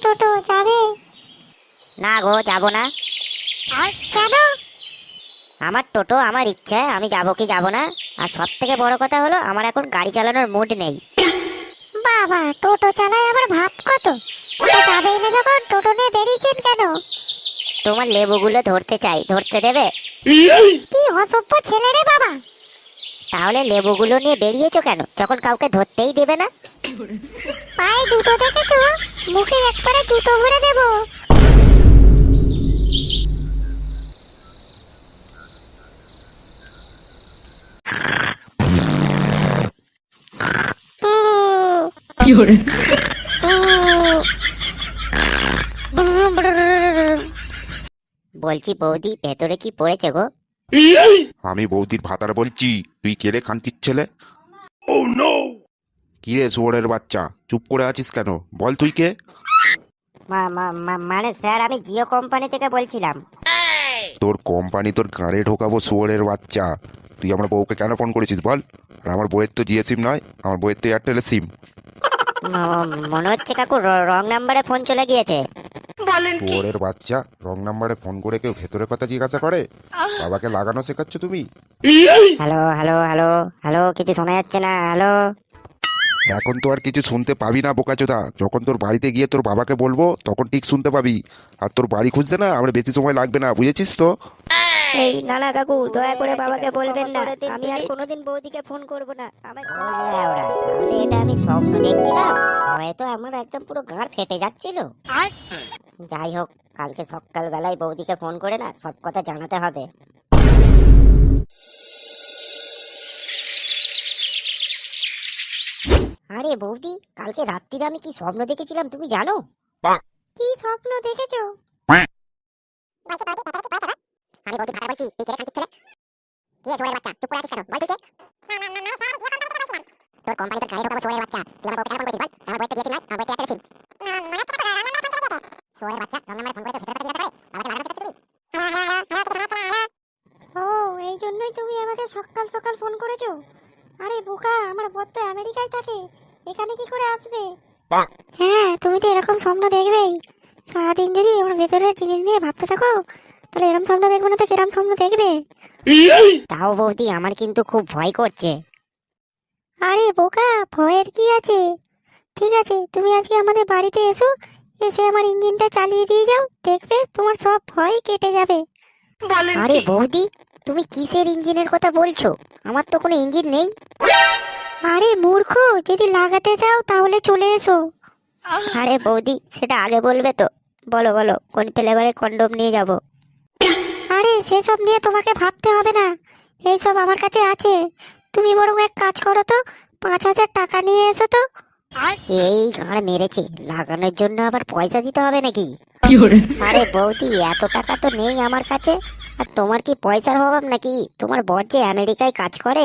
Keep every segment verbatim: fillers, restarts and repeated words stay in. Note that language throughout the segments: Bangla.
টোটো যাবে? না গো, যাবো না। কেন? আমার টোটো, আমার ইচ্ছে, আমি যাবো কি যাবো না। আর সব থেকে বড় কথা হলো আমার এখন গাড়ি চালানোর মুড নেই। বাবা, টোটো চালায় আবার ভাব কত? তা যাবেই না যখন টোটো নিয়ে বেরিয়েছেন কেন? তোমার লেবুগুলো ধরতে চাই, ধরতে দেবে? কি অসভ্য ছেলে রে বাবা! তাহলে লেবুগুলো নিয়ে বেরিয়েছো কেন যখন কাউকে ধরতেই দেবে না? পায়ে জুতো দেখেছো? মুখে একবারে জুতো ভরে দেবো। বলছি বৌদি, ভেতরে কি পড়েছে গো? আমি বৌদির ভাতার বলছি, তুই কে রে খানকির ছেলে? কি রে শুয়োরের বাচ্চা, চুপ করে আছিস কেন? বল তুই কে? মা- মা- মা- মানে স্যার, আমি জিও কোম্পানি থেকে বলছিলাম। তোর কোম্পানি তোর গাড়ি ঢোকাবো শুয়োরের বাচ্চা। তুই আমার বউকে কেন ফোন করেছিস বল? আর আমার বউয়ের তো জিও সিম নয়, আমার বউয়ের তো এয়ারটেলের সিম। ম- মনে হচ্ছে কাকু রং নাম্বারে ফোন চলে গিয়েছে। শুয়োরের বাচ্চা, রং নাম্বারে ফোন করে কেউ ভেতরে কথা জিজ্ঞাসা করে? বাবাকে লাগানো শেখাচ্ছ তুমি? হ্যালো হ্যালো হ্যালো হ্যালো, কিছু শোনা যাচ্ছে না। হ্যালো। এখন তো আর কিছু শুনতে পাবি না বোকাচোদা। যখন তোর বাড়িতে গিয়ে তোর বাবাকে বলবো তখন ঠিক শুনতে পাবি। আর তোর বাড়ি খুঁজতে না আমার বেশি সময় লাগবে না, বুঝেছিস তো? এই না না কাকু, দয়া করে বাবাকে বলবেন না, আমি আর কোনোদিন বৌদিকে ফোন করব না। আমার তাহলে এটা আমি স্বপ্ন দেখছিলাম, হয়তো আমার একদম পুরো গাঁড় ফেটে যাচ্ছিল। যাই হোক, কালকে সকালবেলায় বৌদিকে ফোন করে না সব কথা জানাতে হবে। আরে বৌদি, কালকে রাত্রিরে আমি কি স্বপ্ন দেখেছিলাম তুমি জানো? কি স্বপ্ন দেখেছো? আমি বৌদি ভাড়া বলছি, তুই কে রে খানকির ছেলে? কি সোয়ের বাচ্চা, চুপ করে আছিস কেন? বল তুই কে? তোর কোম্পানি তোর গাড়ি ঢোকাবো সোয়ের বাচ্চা। তুই আমার বউকে কেন ফোন করেছিস বল? আমার বউয়ের তো জিও সিম নয়, আমার বউয়ের তো এয়ারটেল সিম। সোয়ের বাচ্চা, রং নাম্বারে ফোন করে তো ভেতরে কথা জিজ্ঞাসা করে? আমাকে লাগানো শেখাচ্ছ তুমি? ও, এই জন্যই তুমি আমাকে সকাল সকাল ফোন করেছো? আরে বোকা, আমার বর তো আমেরিকায় থাকে, এখানে কি করে আসবে? হ্যাঁ, তুমি তো এরকম স্বপ্ন দেখবেই। সারাদিন যদি আমার ভেতরের জিনিস নিয়ে ভাবতে থাকো, তাহলে এরকম স্বপ্ন দেখবে না তো কিরম স্বপ্ন দেখবে? তাও বৌদি, আমার কিন্তু খুব ভয় করছে। আরে বোকা, ভয়ের কি আছে? ঠিক আছে, তুমি আজকে আমাদের বাড়িতে এসো, এসে আমার ইঞ্জিনটা চালিয়ে দিয়ে যাও, দেখবে তোমার সব ভয় কেটে যাবে। আরে বৌদি, তুমি কিসের ইঞ্জিনের কথা বলছো? আমার তো কোনো ইঞ্জিন নেই। আরে মূর্খ, যদি লাগাতে চাও তাহলে চলে এসো। আরে বৌদি, সেটা আগে বলবে তো। বলো বলো, কোন ফ্লেভারের কন্ডম নিয়ে যাব? আরে সেসব নিয়ে তোমাকে ভাবতে হবে না, এইসব আমার কাছে আছে। তুমি বরং এক কাজ করো তো, পাঁচ হাজার টাকা নিয়ে এসো তো। এই গাঁড় মেরেছে, লাগানোর জন্য আবার পয়সা দিতে হবে নাকি? আরে বৌদি, এত টাকা তো নেই আমার কাছে। আর তোমার কি পয়সার অভাব নাকি? তোমার বর যে আমেরিকায় কাজ করে।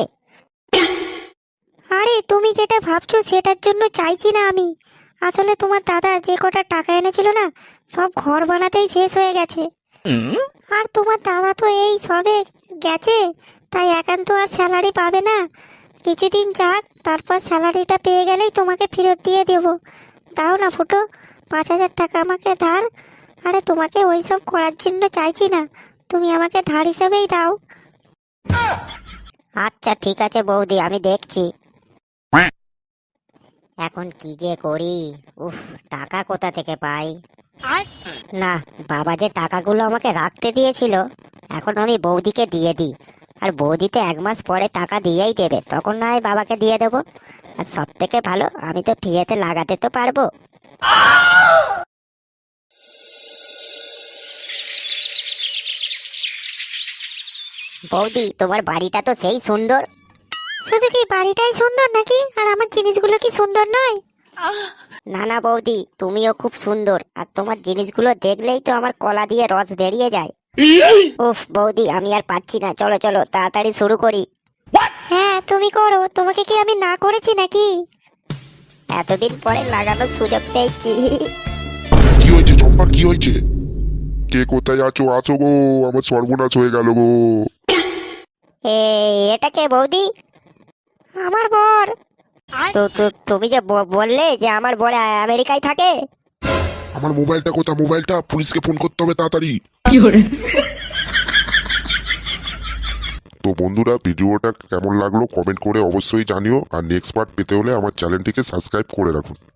আরে তুমি যেটা ভাবছো সেটার জন্য চাইছি না আমি। আসলে তোমার দাদা যে কটা টাকা এনেছিল না, সব ঘর বানাতেই শেষ হয়ে গেছে। আর তোমার দাদা তো এই সবে গেছে, তাই একান্ত আর স্যালারি পাবে না। কিছুদিন যাক, তারপর স্যালারিটা পেয়ে গেলেই তোমাকে ফেরত দিয়ে দেবো। দাও না ফুটো, পাঁচ হাজার টাকা আমাকে ধার। আরে তোমাকে ওই সব করার জন্য চাইছি না, তুমি আমাকে ধার হিসাবেই দাও। আচ্ছা ঠিক আছে বৌদি, আমি দেখছি। এখন কি যে করি, উফ, টাকা কোথা থেকে পাই? না, বাবা যে টাকাগুলো আমাকে রাখতে দিয়েছিল, এখন আমি বৌদিকে দিয়ে দিই। আর বৌদি তো এক মাস পরে টাকা দিয়েই দেবে, তখন না হয় বাবাকে দিয়ে দেবো। আর সব থেকে ভালো, আমি তো ফ্রিতে লাগাতে তো পারবো। বৌদি, তোমার বাড়িটা তো সেই সুন্দর। শুধু কি বাড়িটাই সুন্দর নাকি, আর আমার জিনিসগুলো কি সুন্দর নয়? না না বৌদি, তুমিও খুব সুন্দর, আর তোমার জিনিসগুলো দেখলেই তো আমার কলা দিয়ে রস বেরিয়ে যায়। উফ বৌদি, আমি আর পাচ্ছি না, চলো চলো তাড়াতাড়ি শুরু করি। হ্যাঁ তুমি করো, তোমাকে কি আমি না করেছি নাকি? এতদিন পরে লাগানোর সুযোগ পেয়েছি। কি হয়েছে চম্পা, কি হয়েছে? কে কোথায় আছো? আছো গো, আমার সর্বনাশ হয়ে গেল গো। এ, এটা কে বৌদি? আমার বর। তো তো তুমি যে ব- বললে যে আমার বড় আমেরিকায় থাকে। আমার মোবাইলটা কোথায়? মোবাইলটা, পুলিশকে ফোন করতে হবে তাড়াতাড়ি। তো বন্ধুরা, ভিডিওটা কেমন লাগলো কমেন্ট করে অবশ্যই জানিও, আর নেক্সট পার্ট পেতে হলে আমার চ্যানেলটিকে সাবস্ক্রাইব করে রাখুন।